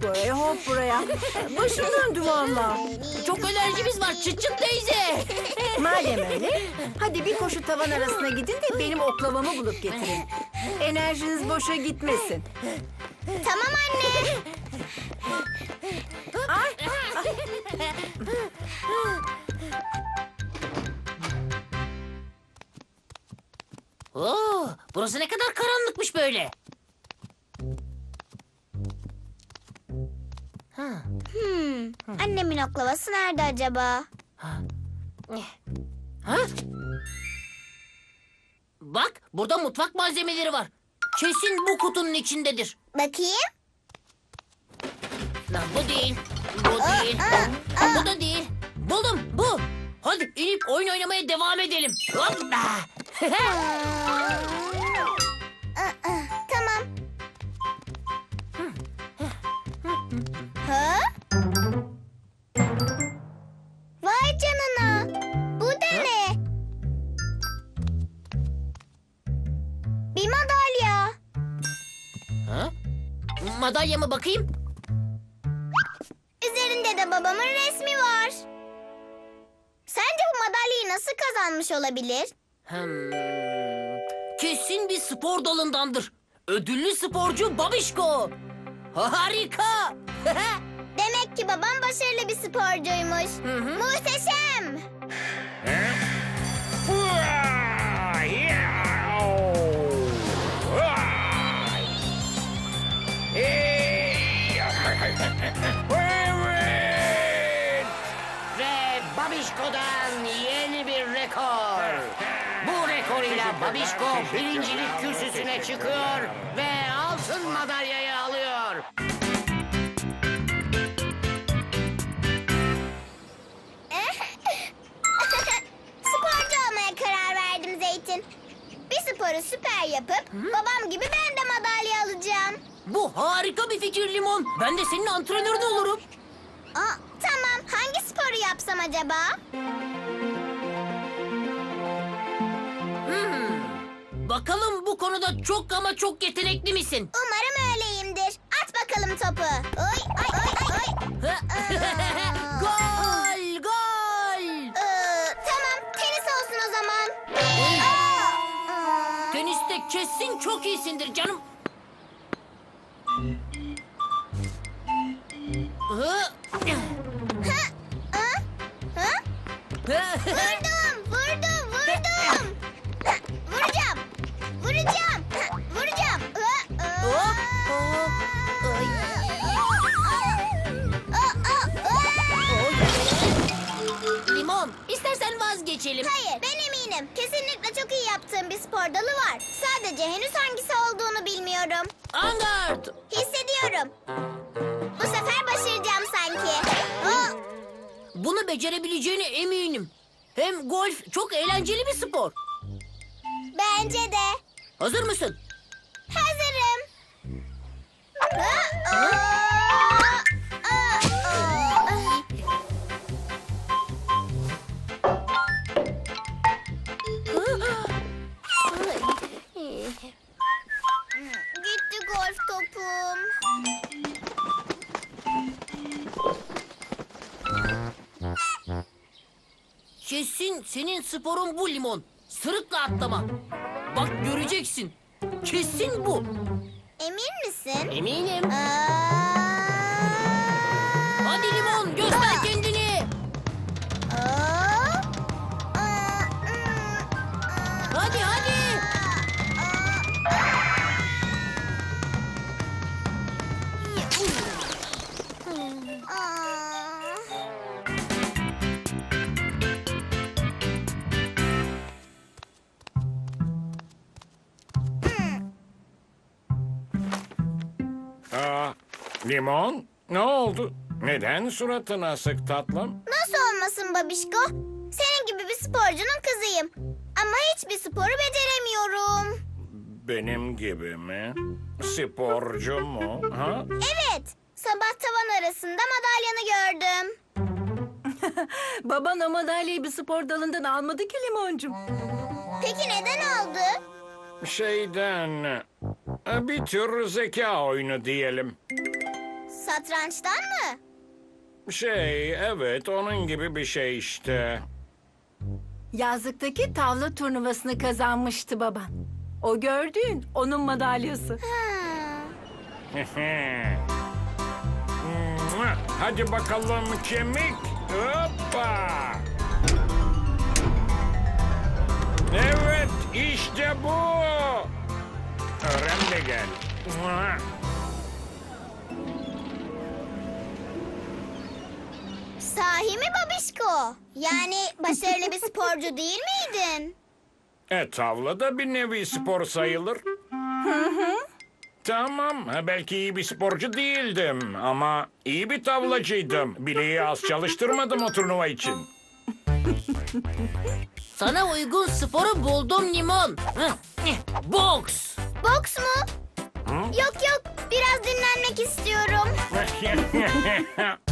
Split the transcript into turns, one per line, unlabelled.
oraya hop buraya. Başım döndü valla.
Çok enerjimiz var çıt çıt teyze.
Madem öyle, hadi bir koşu tavan arasına gidin de benim oklavamı bulup getirin. Enerjiniz boşa gitmesin.
Tamam anne.
Ay,
Oo, burası ne kadar karanlıkmış böyle.
Annemin oklavası nerede acaba?
Ha? Bak burada mutfak malzemeleri var. Kesin bu kutunun içindedir.
Bakayım.
Lan bu değil. Bu değil. Bu da değil. Buldum bu. Hadi inip oyun oynamaya devam edelim. Hoppa.
Tamam. Ha? Vay canına. Bu da ne? Bir madalya.
Ha? Madalyama bakayım.
Üzerinde de babamın resmi var. Sence bu madalyayı nasıl kazanmış olabilir?
Kesin bir spor dalındandır. Ödüllü sporcu Babişko. Harika.
Demek ki babam başarılı bir sporcuymuş. Muhteşem.
Evet!
Ve Babişko'dan yeni bir rekor. Bu rekoruyla Babişko birincilik kürsüsüne çıkıyor ve altın madalyayı alıyor.
Sporcu olmaya karar verdim Zeytin. Bir sporu süper yapıp babam gibi ben de madalya alacağım.
Bu harika bir fikir Limon. Ben de senin antrenörün olurum.
Aa, tamam. Hangi sporu yapsam acaba?
Bakalım bu konuda çok ama çok yetenekli misin?
Umarım öyleyimdir. At bakalım topu. Oy, ay, ay, ay, ay.
Gol! Gol!
Tamam. Tenis olsun o zaman.
Teniste kesin çok iyisindir canım.
Vurdum, vurdum, vurdum. Vuracağım. Vuracağım. Vuracağım.
Limon, istersen vazgeçelim.
Hayır, ben eminim. Kesinlikle çok iyi yaptığım bir spor dalı var. Sadece henüz hangisi olduğunu bilmiyorum.
Angard!
Hissediyorum. Bu sefer başaracağım sanki. Aa,
Bunu becerebileceğine eminim. Hem golf çok eğlenceli bir spor.
bence de.
Hazır mısın?
Hazırım. Gitti golf topum.
Kesin senin sporun bu Limon. Sırıkla atlama. Bak göreceksin. Kesin bu.
Emin misin?
Eminim.
Aa,
Hadi Limon göster kendini.
aa,
Hadi hadi.
Limon, ne oldu? Neden suratın asık tatlım?
Nasıl olmasın babişko? Senin gibi bir sporcunun kızıyım. Ama hiçbir sporu beceremiyorum.
Benim gibi mi? Sporcu mu? Ha?
Evet, sabah tavan arasında madalyanı gördüm.
baban o madalyayı bir spor dalından almadı ki Limoncum.
Peki neden aldı?
Şeyden... Bir tür zeka oyunu diyelim.
Satrançtan mı?
Evet, onun gibi bir şey işte.
Yazlıktaki tavla turnuvasını kazanmıştı baban. O gördüğün onun madalyası.
Hadi bakalım kemik. Hoppa. Evet, işte bu. Öğren de gel.
Sahi mi babişko? Yani başarılı bir sporcu değil miydin?
Tavla da bir nevi spor sayılır. Tamam, belki iyi bir sporcu değildim ama iyi bir tavlacıydım. Bileği az çalıştırmadım o turnuva için.
Sana uygun sporu buldum Limon. Boks.
Boks mu? Yok yok, biraz dinlenmek istiyorum.